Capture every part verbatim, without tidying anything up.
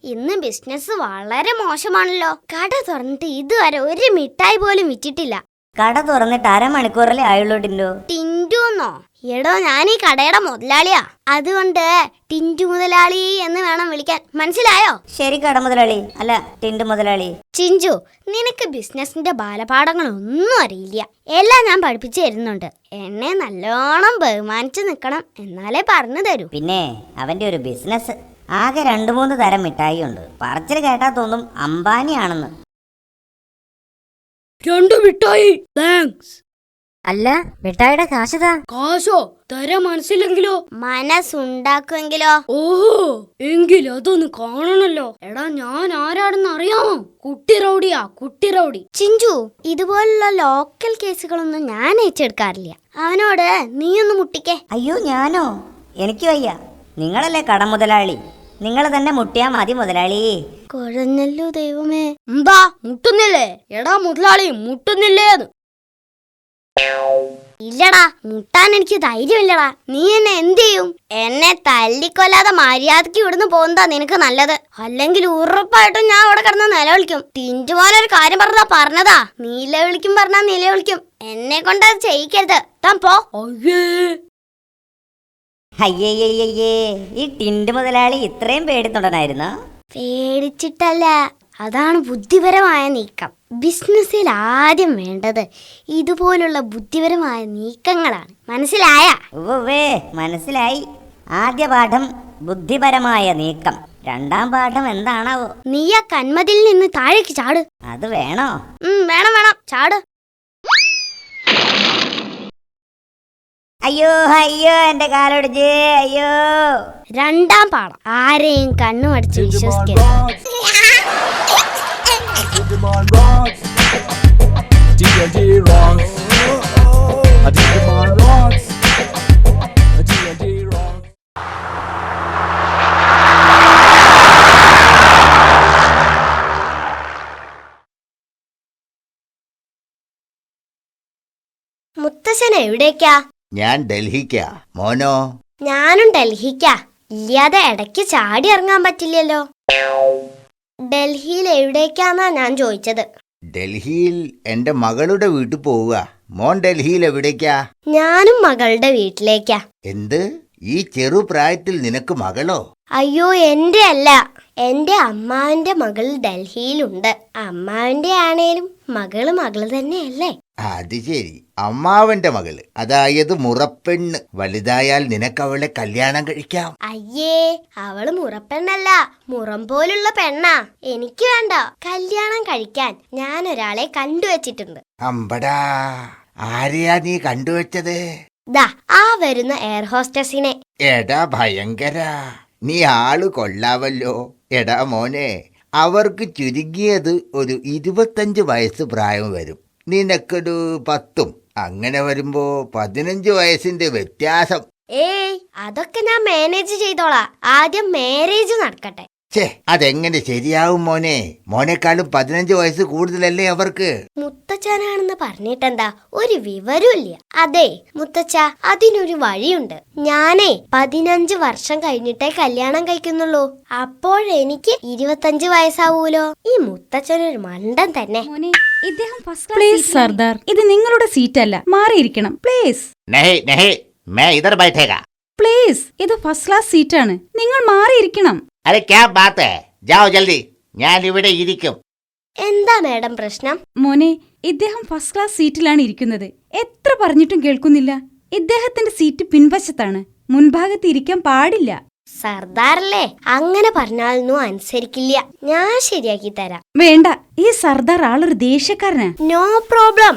ഇന്ന് ബിസിനസ് വളരെ മോശമാണല്ലോ. കട തുറന്നിട്ട് ഇതുവരെ ഒരു മിഠായി പോലും വിറ്റിട്ടില്ല. കട തുറന്നിട്ട് അരമണിക്കൂറല്ലേ ആയുള്ളൂ ടിൻഡു. ടിൻഡുന്നോ? എടോ, ഞാൻ ഈ കടയുടെ മുതലാളിയാ. അതുകൊണ്ട് ടിൻഡു മുതലാളി എന്ന് വേണം വിളിക്കാൻ. മനസ്സിലായോ? ശരി കട മുതലാളി, അല്ല ടിൻഡു മുതലാളി. ചിഞ്ചു, നിനക്ക് ബിസിനസിന്റെ ബാലപാഠങ്ങളൊന്നും അറിയില്ല. എല്ലാം ഞാൻ പഠിപ്പിച്ചു തരുന്നുണ്ട്. എന്നെ നല്ലോണം ബഹുമാനിച്ചു നിൽക്കണം, എന്നാലേ പറഞ്ഞു തരൂ. പിന്നെ അവന്റെ ഒരു ബിസിനസ് ആകെ രണ്ടു മൂന്ന് തരം മിഠായി ഉണ്ട്. പറച്ചിൽ കേട്ടാ തോന്നും അംബാനിയാണെന്ന്. രണ്ടു മിഠായി. താങ്ക്സ്. അല്ല, മിഠായിയുടെ കാശതാ. കാശോ? തരാൻ മനസ്സിലെങ്കിലോ? മനസ്സുണ്ടാക്കുമെങ്കിലോ? ഓഹോ, എങ്കിൽ അതൊന്ന് കാണണല്ലോ. എടാ, ഞാൻ ആരാടെന്ന് അറിയാമോ? കുട്ടി റൗഡിയാ, കുട്ടി റൗഡി. ചിഞ്ചു, ഇതുപോലുള്ള ലോക്കൽ കേസുകളൊന്നും ഞാൻ ഏറ്റെടുക്കാറില്ല. അവനോട് നീയൊന്ന് മുട്ടിക്കേ. അയ്യോ, ഞാനോ? എനിക്ക് വയ്യ. നിങ്ങളല്ലേ കട മുതലാളി, നിങ്ങൾ തന്നെ മുട്ടിയാ മതി മുതലാളി. കുഴഞ്ഞല്ലോ ദൈവമേ. എന്താ മുട്ടുന്നില്ലേ? എടാ മുതലാളി, മുട്ടുന്നില്ലേന്ന്. ഇല്ലടാ, മുട്ടാൻ എനിക്ക് ധൈര്യമില്ലടാ. നീ എന്നെ എന്ത് ചെയ്യും? എന്നെ തല്ലിക്കൊല്ലാതെ മര്യാദക്ക് ഇവിടുന്ന് പോകുന്നതാ നിനക്ക് നല്ലത്. അല്ലെങ്കിൽ ഉറപ്പായിട്ടും ഞാൻ അവിടെ കിടന്ന് നിലവിളിക്കും. തിഞ്ചുപോലൊരു കാര്യം പറഞ്ഞതാ പറഞ്ഞതാ. നിലവിളിക്കും പറഞ്ഞാ നിലവിളിക്കും. എന്നെ കൊണ്ട് അത് ചെയ്യിക്കരുത്. താൻ പോ. അയ്യയ്യയ്യേ, ഈ ടിൻഡു മുതലാളി ഇത്രയും പേടിത്തൊണ്ടനായിരുന്നോ? പേടിച്ചിട്ടല്ല, അതാണ് ബുദ്ധിപരമായ നീക്കം. ബിസിനസ്സിൽ ആദ്യം വേണ്ടത് ഇതുപോലുള്ള ബുദ്ധിപരമായ നീക്കങ്ങളാണ്. മനസ്സിലായ? ഉവ്വേ, മനസ്സിലായി. ആദ്യ പാഠം ബുദ്ധിപരമായ നീക്കം. രണ്ടാം പാഠം എന്താണാവോ? നീ ആ കന്മതിൽ നിന്ന് താഴേക്ക് ചാട്. അത് വേണോ? വേണം വേണം, ചാട്. അയ്യോ അയ്യോ, എന്റെ കാലൊടിച്ച്. അയ്യോ. രണ്ടാം പാഠം, ആരെയും കണ്ണുമടിച്ച് വിശ്വസിക്കരുത്. മുത്തശ്ശൻ എവിടേക്കാ? ഞാൻ ഡൽഹിക്കാ. മോനോ? ഞാനും ഡൽഹിക്കാ. ഇല്ലാതെ ഇടയ്ക്ക് ചാടി ഇറങ്ങാൻ പറ്റില്ലല്ലോ. ഡൽഹിയിൽ എവിടേക്കാന്നാ ഞാൻ ചോദിച്ചത്. ഡൽഹിയിൽ എന്റെ മകളുടെ വീട്ടിൽ പോവുക. മോൻ ഡൽഹിയിൽ എവിടേക്കാ? ഞാനും മകളുടെ വീട്ടിലേക്കാ. എന്ത്? ഈ ചെറുപ്രായത്തിൽ നിനക്ക് മകളോ? അയ്യോ, എന്റെ അല്ല, എന്റെ അമ്മാവന്റെ മകൾ ഡൽഹിയിലുണ്ട്. അമ്മാവന്റെ ആണേലും മകള് മകള് തന്നെയല്ലേ? അത് ശരി, അമ്മാവന്റെ മകള്, അതായത് മുറപ്പെണ്ണ്. വലുതായാൽ നിനക്കവളെ കല്യാണം കഴിക്കാം. അയ്യേ, അവള് മുറപ്പെണ്ണല്ല, മുറം പോലുള്ള പെണ്ണാ. എനിക്ക് വേണ്ട. കല്യാണം കഴിക്കാൻ ഞാൻ ഒരാളെ കണ്ടുവച്ചിട്ടുണ്ട്. അമ്പടാ, ആരെയാ നീ കണ്ടുവച്ചത്? ദാ ആ വരുന്ന എയർ ഹോസ്റ്റസിനെ. എടാ ഭയങ്കര, നീ ആള് കൊള്ളാവല്ലോ. എടാ മോനെ, അവർക്ക് ചുരുങ്ങിയത് ഒരു ഇരുപത്തഞ്ച് വയസ്സ് പ്രായം വരും. നിനക്കൊരു പത്തും. അങ്ങനെ വരുമ്പോ പതിനഞ്ച് വയസ്സിന്റെ വ്യത്യാസം. ഏയ്, അതൊക്കെ ഞാൻ മാനേജ് ചെയ്തോളാം. ആദ്യം മാരേജ് നടക്കട്ടെ. ഛേ, അതെങ്ങനെ ശരിയാവും മോനെ? മോനേക്കാളും പതിനഞ്ച് വയസ്സ് കൂടുതലല്ലേ അവർക്ക്? മുത്തച്ഛനാണെന്ന് പറഞ്ഞിട്ടെന്താ, ഒരു വിവരമില്ല. അതെ മുത്തച്ഛ, അതിനൊരു വഴിയുണ്ട്. ഞാനേ പതിനഞ്ച് വർഷം കഴിഞ്ഞിട്ടേ കല്യാണം കഴിക്കുന്നുള്ളൂ. അപ്പോഴെനിക്ക് ഇരുപത്തഞ്ച് വയസ്സാവൂലോ. ഈ മുത്തച്ഛനൊരു മണ്ടൻ തന്നെ. പ്ലീസ് സർദാർ, ഇത് നിങ്ങളുടെ സീറ്റ് അല്ല, മാറിയിരിക്കണം പ്ലീസ്. പ്ലീസ്, ഇത് ഫസ്റ്റ് ക്ലാസ് സീറ്റാണ്, നിങ്ങൾ മാറിയിരിക്കണം. അരെ ക്യാ ബാത്ത് ഹൈ, ജാओ ജൽദി, ഞാൻ ഇവിടെ ഇരിക്കും. എന്താ മാഡം പ്രശ്നം? മോനെ, ഇദ്ദേഹം ഫസ്റ്റ് ക്ലാസ് സീറ്റിലാണ് ഇരിക്കുന്നത്. എത്ര പറഞ്ഞിട്ടും കേൾക്കുന്നില്ല. ഇദ്ദേഹത്തിന്റെ സീറ്റ് പിൻവശത്താണ്, മുൻഭാഗത്ത് ഇരിക്കാൻ പാടില്ല. സർദാറല്ലേ, അങ്ങനെ പറഞ്ഞാലൊന്നും അനുസരിക്കില്ല. ഞാൻ ശരിയാക്കി തരാം. വേണ്ട, ഈ സർദാർ ആളൊരു ദേഷ്യക്കാരനാ. No problem.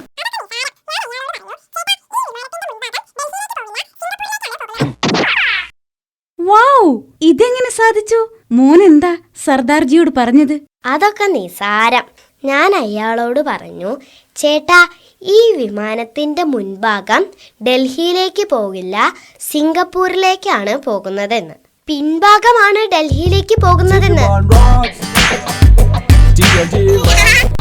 വാവ്, ഇതെങ്ങനെ സാധിച്ചു? മോനെന്താ സർദാർജിയോട് പറഞ്ഞത്? അതൊക്കെ നിസാരം. ഞാൻ അയാളോട് പറഞ്ഞു, ചേട്ടാ, ഈ വിമാനത്തിന്റെ മുൻഭാഗം ഡൽഹിയിലേക്ക് പോകില്ല, സിംഗപ്പൂരിലേക്കാണ് പോകുന്നതെന്ന്. പിൻഭാഗമാണ് ഡൽഹിയിലേക്ക് പോകുന്നതെന്ന്.